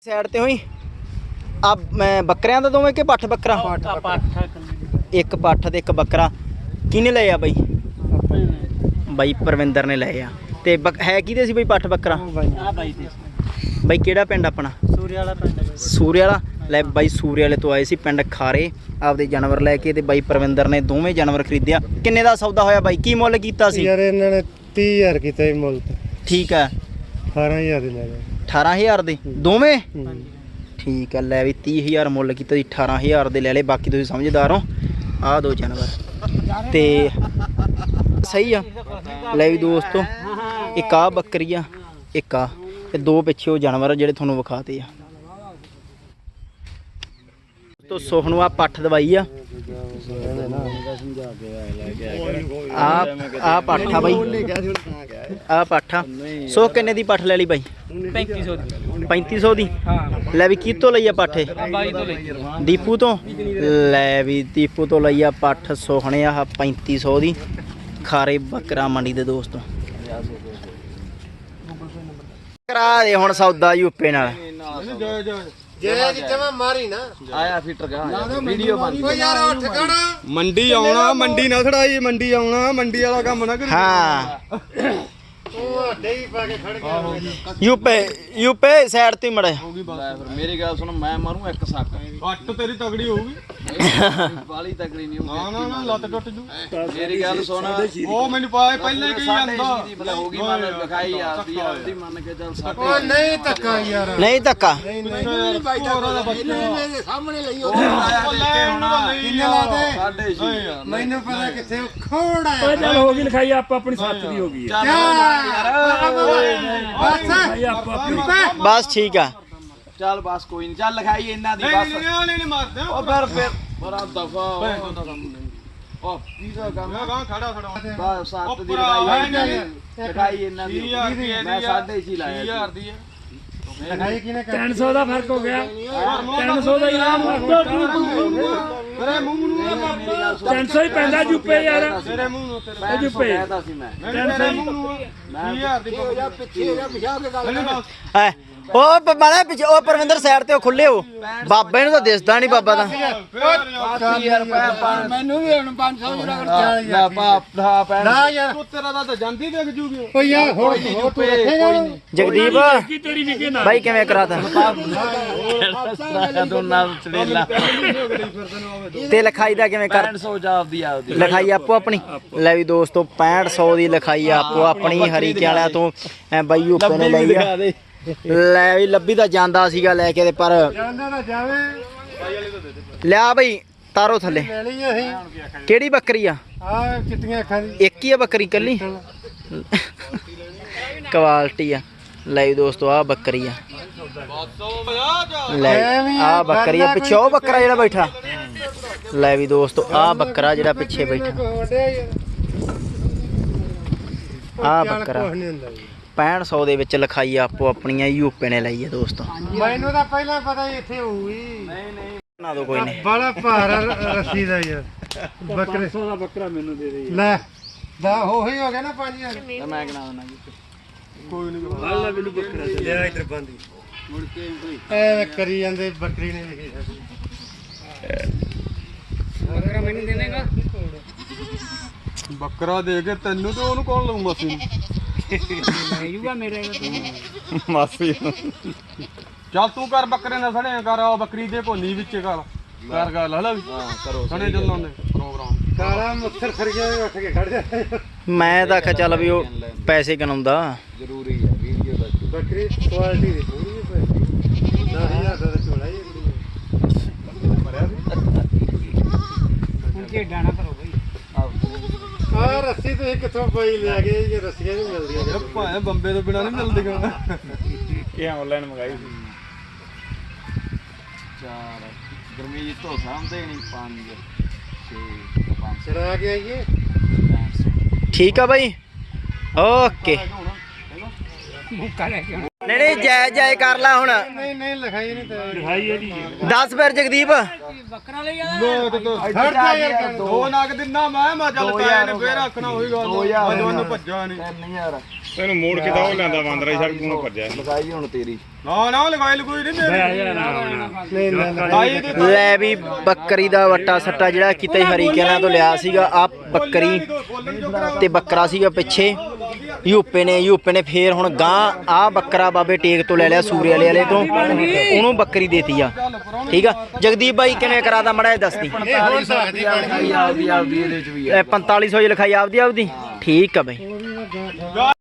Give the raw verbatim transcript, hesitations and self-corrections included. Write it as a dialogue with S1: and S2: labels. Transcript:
S1: Side ਤੇ ਹੋਈ ਆ ਮੈਂ ਬੱਕਰਿਆਂ ਦਾ ਦੋਵੇਂ ਕਿ ਪੱਠ ਬੱਕਰਾ ਇੱਕ ਪੱਠ ਤੇ ਇੱਕ ਬੱਕਰਾ ਕਿਹਨੇ ਲਏ ਆ ਬਾਈ ਬਾਈ ਪਰਵਿੰਦਰ ਨੇ ਲਏ ਆ ਤੇ ਹੈ ਕਿਹਦੇ ਸੀ ਬਾਈ ਪੱਠ ਬੱਕਰਾ ਬਾਈ ਕਿਹੜਾ ਪਿੰਡ ਆਪਣਾ
S2: ਸੂਰੇ ਵਾਲਾ ਪਿੰਡ
S1: ਸੂਰੇ ਵਾਲਾ ਲੈ ਬਾਈ ਸੂਰੇ ਵਾਲੇ ਤੋਂ ਆਏ ਸੀ ਪਿੰਡ ਖਾਰੇ ਆਪਦੇ ਜਾਨਵਰ ਲੈ ਕੇ ਤੇ ਬਾਈ ਪਰਵਿੰਦਰ ਨੇ ਦੋਵੇਂ ਜਾਨਵਰ ਖਰੀਦਿਆ। ਕਿੰਨੇ ਦਾ ਸੌਦਾ ਹੋਇਆ ਬਾਈ ਕੀ ਮੁੱਲ ਕੀਤਾ ਸੀ
S2: ਯਾਰ ਇਹਨਾਂ ਨੇ ਤੀਹ ਹਜ਼ਾਰ ਕੀਤਾ ਸੀ ਮੁੱਲ ਤੇ
S1: ਠੀਕ ਹੈ
S2: ਅਠਾਰਾਂ ਹਜ਼ਾਰ ਦੇ ਲੈ ਗਏ
S1: ਅਠਾਰਾਂ ਹਜ਼ਾਰ ਦੇ ਦੋਵੇਂ ਠੀਕ ਹੈ ਲੈ ਵੀ ਤੀਹ ਹਜ਼ਾਰ ਮੁੱਲ ਕੀਤਾ ਸੀ ਅਠਾਰਾਂ ਹਜ਼ਾਰ ਦੇ ਲੈ ਲਏ ਬਾਕੀ ਤੁਸੀਂ ਸਮਝਦਾਰ ਹੋ ਆਹ ਦੋ ਜਾਨਵਰ ਤੇ ਸਹੀ ਆ ਲੈ ਵੀ ਦੋਸਤੋ ਇੱਕ ਆ ਬੱਕਰੀ ਆ ਇੱਕ ਆ ਤੇ ਦੋ ਪਿੱਛੇ ਉਹ ਜਾਨਵਰ ਜਿਹੜੇ ਤੁਹਾਨੂੰ ਵਿਖਾਤੇ ਆ ਤੋ ਸੋਹਣਵਾ ਪੱਠ ਦਵਾਈ ਆ ਆ ਆ ਪੱਠਾ ਬਾਈ ਆ ਪੱਠਾ ਸੋ ਕਿੰਨੇ ਦੀ ਪੱਠ ਲੈ ਲਈ ਬਾਈ
S3: ਪੈਂਤੀ ਸੌ ਦੀ
S1: ਪੈਂਤੀ ਸੌ ਦੀ ਲੈ ਵੀ ਕਿਤੋਂ ਲਈ ਆ ਪੱਠੇ
S3: ਬਾਈ ਤੋਂ ਲਈ
S1: ਦੀਪੂ ਤੋਂ ਲੈ ਵੀ ਦੀਪੂ ਤੋਂ ਲਈ ਆ ਪੱਠ ਸੋਹਣੇ ਆ ਪੈਂਤੀ ਸੌ ਦੀ ਖਾਰੇ ਬੱਕਰਾ ਮੰਡੀ ਦੇ ਦੋਸਤੋ ਕਰਾ ਦੇ ਹੁਣ ਸੌਦਾ ਯੂਪੇ ਨਾਲ
S2: ਜੇ ਜਿੱਥੇ ਮਾਰੀ ਨਾ
S1: ਆਇਆ ਫਿੱਟਰ ਗਾ ਵੀਡੀਓ ਬਣ
S2: ਓ ਯਾਰ ਉੱਠ ਖੜਾ
S4: ਮੰਡੀ ਆਉਣਾ ਮੰਡੀ ਨਾ ਖੜਾਈ ਮੰਡੀ ਆਉਣਾ ਮੰਡੀ ਵਾਲਾ ਕੰਮ ਨਾ ਕਰੀ
S1: ਹਾਂ
S2: ਉਹ ਡੇਈ ਪਾ ਕੇ ਖੜ ਗਿਆ
S1: ਯੂਪੇ ਯੂਪੇ ਸਾਈਡ ਤੇ ਮੜਾ
S3: ਮੇਰੀ ਗੱਲ ਸੁਣ ਮੈਂ ਮਾਰੂ ਇੱਕ ਸੱਕ
S4: ਅੱਟ ਤੇਰੀ ਤਗੜੀ ਹੋਊਗੀ
S3: ਬਾਲੀ ਤਕੜੀ ਨਹੀਂ
S4: ਨਾ ਨਾ ਨਾ ਲੱਤ ਟੁੱਟ ਜੂ
S3: ਮੇਰੀ ਗੱਲ ਸੁਣ
S4: ਉਹ ਮੈਨੂੰ ਪਾਏ ਪਹਿਲਾਂ ਹੀ ਕਹੀ ਜਾਂਦਾ
S3: ਹੋ ਗਈ ਮਨ ਲਿਖਾਈ ਆਦੀ ਆਦੀ ਮੰਨ ਕੇ ਚੱਲ ਸੱਕ
S2: ਓ ਨਹੀਂ ਧੱਕਾ ਯਾਰ
S1: ਨਹੀਂ ਧੱਕਾ
S2: ਸਾਹਮਣੇ ਲਈ
S4: ਕਿੰਨੇ
S2: ਲਾਤੇ
S3: ਸਾਡੇ ਛੇ
S2: ਮੈਨੂੰ ਪਤਾ ਕਿੱਥੇ ਖੋੜਾ ਆ
S5: ਚੱਲ ਹੋ ਗਈ ਲਿਖਾਈ ਆਪੋ ਆਪਣੀ ਸੱਤ ਦੀ ਹੋ ਗਈ ਹੈ
S1: ਬਸ ਠੀਕ ਆ
S3: ਚੱਲ ਬਸ ਕੋਈ ਨਹੀਂ ਚੱਲ ਲਿਖਾਈ ਇਹਨਾਂ ਦੀ ਬਸ
S4: ਨਹੀਂ ਨਹੀਂ ਮਾਰਦੇ
S3: ਉਹ ਫਿਰ ਫਿਰ ਬੜਾ ਦਫਾ ਉਹ ਪੀਜ਼ਾ ਕੰਮ
S4: ਮੈਂ ਗਾਂ ਖੜਾ ਖੜਾ
S3: ਬਸ ਸੱਤ ਦੀ ਲਿਖਾਈ ਲਿਖਾਈ ਇਹਨਾਂ ਦੀ ਮੈਂ ਸਾਢੇ ਛੇ ਲਾਇਆ
S4: ਹਜ਼ਾਰ ਦੀ ਹੈ
S2: ਲਿਖਾਈ ਕਿਨੇ ਕਰ
S5: ਤਿੰਨ ਸੌ ਦਾ ਫਰਕ ਹੋ ਗਿਆ ਤਿੰਨ ਸੌ ਦਾ ਇਨਾਮ
S4: ਤੇਰੇ ਮੂੰਹ ਨੂੰ
S5: ਤਿੰਨ ਸੌ ਹੀ ਪੈਂਦਾ ਜੁੱਪੇ ਯਾਰ
S4: ਤੇਰੇ ਮੂੰਹ ਨੂੰ ਤੇਰੇ
S5: ਇਹ ਜੁੱਪੇ
S3: ਕਹਿਦਾ ਸੀ ਮੈਂ
S4: ਤੇਰੇ ਮੂੰਹ ਨੂੰ ਹਜ਼ਾਰ ਦੀ
S2: ਪਿੱਛੇ ਜਾ ਪਿਛਾ ਕੇ ਗੱਲ
S1: ਹੈ ਉਹ ਮਾੜਾ ਪਿੱਛੇ ਉਹ ਪਰਵਿੰਦਰ ਸਾਈਡ ਤੇ ਉਹ ਖੁੱਲੇ ਹੋ ਬਾਬੇ ਨੂੰ ਤਾਂ ਦਿਸਦਾ ਨਹੀਂ ਬਾਬਾ ਦਾ
S3: ਯਾਰ
S2: ਮੈਨੂੰ ਵੀ ਹੁਣ ਪੰਜ ਸੌ ਜਿਹੜਾ
S3: ਨਾ ਪਾਪ ਦਾ ਪੈਣ
S2: ਨਾ ਯਾਰ
S4: ਤੂੰ ਤੇਰਾ ਤਾਂ ਜਾਂਦੀ ਦੇਖ ਜੂਗੀ
S2: ਓ ਯਾਰ ਹੋਰ ਹੋਰ ਤੂੰ ਰੱਖੇਗਾ
S1: ਜਗਦੀਪ
S5: ਕੀ ਤੇਰੀ ਵਿਕੇ ਨਾ
S1: ਬਾਈ ਕਿਵੇਂ ਕਰਾਤਾ
S3: ਦੋਨਾਂ ਚੜੇਲਾ
S1: ਤੇ ਲਿਖਾਈ ਦਾ ਕਿਵੇਂ ਕਰ
S3: ਪੰਜ ਸੌ ਜਾਪਦੀ ਆਪਦੀ
S1: ਲਿਖਾਈ ਆਪੋ ਆਪਣੀ ਲੈ ਵੀ ਦੋਸਤੋ ਪੈਂਹਠ ਸੌ ਦੀ ਲਿਖਾਈ ਆਪੋ ਆਪਣੀ ਹਰੀਕੇ ਵਾਲਿਆਂ ਤੋਂ ਐ ਬਾਈ ਯੂਪੇ ਨੇ ਲਈ ਆ ਲੈ ਵੀ ਲੱਭੀ ਤਾਂ ਜਾਂਦਾ ਸੀਗਾ ਲੈ ਕੇ ਤੇ ਪਰ
S2: ਜਾਂਦਾ ਤਾਂ ਜਾਵੇ
S1: ਲਿਆ ਬਈ ਤਾਰੋ ਥੱਲੇ
S2: ਲੈ ਲਈ ਅਸੀਂ
S1: ਕਿਹੜੀ ਬੱਕਰੀ ਆ
S2: ਆ ਚਿੱਟੀਆਂ ਅੱਖਾਂ ਦੀ
S1: ਇੱਕ ਹੀ ਆ ਬੱਕਰੀ ਕੱਲੀ ਕੁਆਲਿਟੀ ਆ ਲੈ ਵੀ ਦੋਸਤੋ ਆ ਬੱਕਰੀ ਆ ਲੈ ਆ ਬੱਕਰੀ ਆ ਪਿੱਛੇ ਉਹ ਬੱਕਰਾ ਜਿਹੜਾ ਬੈਠਾ ਲੈ ਵੀ ਦੋਸਤੋ ਆ ਬੱਕਰਾ ਜਿਹੜਾ ਪਿੱਛੇ ਬੈਠਾ ਆ ਬੱਕਰਾ
S2: ਕੁਝ ਨਹੀਂ ਹੁੰਦਾ ਜੀ
S1: ਪੈਂਹਠ ਸੌ ਦੇ ਵਿੱਚ ਲਿਖਾਈ ਆਪੋ ਆਪਣੀਆਂ ਯੂਪੇ ਨੇ ਲਈ ਆ ਦੋਸਤੋ
S2: ਮੈਨੂੰ ਤਾਂ ਪਹਿਲਾਂ ਪਤਾ ਹੀ ਇੱਥੇ ਹੋਊਗੀ
S3: ਨਹੀਂ ਨਹੀਂ
S1: ਬਣਾ ਦੋ ਕੋਈ ਨਹੀਂ
S2: ਬੜਾ ਭਾਰਾ ਰੱਸੀ ਦਾ ਯਾਰ ਬੱਕਰੇ
S5: ਸੌ ਦਾ ਬੱਕਰਾ ਮੈਨੂੰ ਦੇ ਦੇ
S2: ਲੈ ਦਾ ਉਹੀ ਹੋ ਗਿਆ ਨਾ ਪੰਜ ਹਜ਼ਾਰ
S3: ਮੈਂ ਕਿਹਾ ਦਿੰਦਾ ਜੀ
S4: ਕੋਈ ਨਹੀਂ
S5: ਅੱਲਾ ਮੈਨੂੰ ਬੱਕਰਾ ਦੇ
S2: ਲਿਆ ਇਧਰ ਬੰਦੀ
S3: ਮੁੜ ਕੇ ਕੋਈ
S2: ਐ ਕਰੀ ਜਾਂਦੇ ਬੱਕਰੀ ਨੇ ਵੇਖੀ ਬੱਕਰਾ ਮੈਨੂੰ ਦੇ ਦੇਗਾ
S4: ਬੱਕਰਾ ਦੇ ਕੇ ਤੈਨੂੰ ਤੇ ਉਹਨੂੰ ਕੌਣ ਲਊ ਮਾਸੀ ਨੂੰ
S5: ਲੈਜੂਗਾ ਮੇਰੇ ਕੋਲ
S4: ਮਾਸੀ ਚੱਲ ਤੂੰ ਕਰ ਬੱਕਰੇ ਨਾਲ ਸੜਿਆ ਕਰ ਆ ਬੱਕਰੀ ਦੇ ਭੋਨੀ ਵਿੱਚ ਕਰ ਕਰ ਗੱਲ ਹਲਾ ਵੀ ਹਾਂ ਕਰੋ ਸਣੇ ਚੱਲਾਂ ਦੇ ਪ੍ਰੋਗਰਾਮ
S2: ਕਾਲਾ ਮੱਥਰ ਖੜ ਗਿਆ ਉੱਠ ਕੇ ਖੜ ਜਾ
S1: ਮੈਂ ਤਾਂ ਆਖਿਆ ਚੱਲ ਵੀ ਉਹ ਪੈਸੇ ਕਨਾਉਂਦਾ
S3: ਜ਼ਰੂਰੀ ਹੈ ਵੀਡੀਓ ਦਾ
S2: ਬੱਕਰੀ ਕੁਆਲਿਟੀ ਦੀ ਪੂਰੀ ਹੈ ਭਾਈ ਦਸ ਹਜ਼ਾਰ ਦਾ ਝੋਲਾ ਹੀ
S5: ਕਿ ਡਾਣਾ ਕਰੋ ਬਈ
S2: ਆ ਰੱਸੀ ਤੁਸੀਂ ਕਿੱਥੋਂ ਪਈ ਲੈ ਗਏ ਜੇ ਰੱਸੀਆਂ ਨਹੀਂ ਮਿਲਦੀਆਂ
S4: ਭਾਵੇਂ ਬੰਬੇ ਤੋਂ ਬਿਨਾ ਨਹੀਂ ਮਿਲਦੀਆਂ
S5: ਇਹ ਆਨਲਾਈਨ ਮੰਗਾਈ ਸੀ
S3: ਚਾਰ ਗਰਮੀ ਤੋਂ ਸਾਹਮਣੇ ਨਹੀਂ ਪੰਜ ਛੇ ਪੰਜ
S2: ਚੜਾ ਕੇ ਆਈਏ
S1: ਠੀਕ ਆ ਬਾਈ ਓਕੇ
S5: ਮੁੱਕਾ ਲੈ ਕੇ
S1: ਨਹੀਂ ਨਹੀਂ ਜੈ ਜੈ ਕਰ ਲਾ ਹੁਣ
S2: ਨਹੀਂ ਨਹੀਂ ਲਿਖਾਈ ਨਹੀਂ ਤੇ
S5: ਲਿਖਾਈ ਇਹਦੀ
S1: ਦੱਸ ਫਿਰ ਜਗਦੀਪ
S5: ਬੱਕਰਾ ਲਈ ਆ
S2: ਹਟ ਜਾ ਯਾਰ
S4: ਦੋ ਨਗ ਦਿਨਾ ਮੈਂ ਮੈਂ ਚੱਲ ਤਾਇਆ ਨੇ ਫੇਰ ਆਖਣਾ ਉਹੀ ਗੱਲ ਅੱਜ ਉਹਨੂੰ ਭੱਜਾ ਨਹੀਂ
S3: ਤਿੰਨ ਹਜ਼ਾਰ
S5: ਤੈਨੂੰ ਮੋੜ ਕੇ ਤਾਂ ਉਹ ਲੈਂਦਾ ਬਾਂਦਰਾ ਸੜਕ ਨੂੰ ਭੱਜਿਆ
S3: ਲਗਾਈ ਹੁਣ ਤੇਰੀ
S4: ਨਾ ਨਾ ਲਗਾਈ ਲਗੂਈ ਨਹੀਂ ਮੇਰੀ
S2: ਨਹੀਂ ਨਹੀਂ
S4: ਤਾਈ ਦੀ
S1: ਲੈ ਵੀ ਬੱਕਰੀ ਦਾ ਵੱਟਾ ਸੱਟਾ ਜਿਹੜਾ ਕਿਤੇ ਹਰੀਕਿਆਂ ਤੋਂ ਲਿਆ ਸੀਗਾ ਆ ਬੱਕਰੀ ਤੇ ਬੱਕਰਾ ਸੀਗਾ ਪਿੱਛੇ ਯੂਪੇ ਨੇ ਯੂਪੇ ਨੇ ਫੇਰ ਹੁਣ ਗਾਂ ਆ ਬੱਕਰਾ ਬਾਬੇ ਟੇਕ ਤੋਂ ਲੈ ਲਿਆ ਸੂਰੇ ਵਾਲੇ ਵਾਲੇ ਤੋਂ ਉਹਨੂੰ ਬੱਕਰੀ ਦੇਤੀ ਆ ਠੀਕ ਆ ਜਗਦੀਪ ਬਾਈ ਕਿਵੇਂ ਕਰਾਦਾ ਮੜਾ ਦੱਸਦੀ
S2: ਇਹ ਹੋਰ ਸਕਦੀ
S3: ਆਪਦੀ ਆਪਦੀ ਇਹਦੇ ਚ ਵੀ ਆ
S1: ਪੰਤਾਲੀ ਸੌ ਦੀ ਲਿਖਾਈ ਆਪਦੀ ਆਪਦੀ ਠੀਕ ਆ ਬਾਈ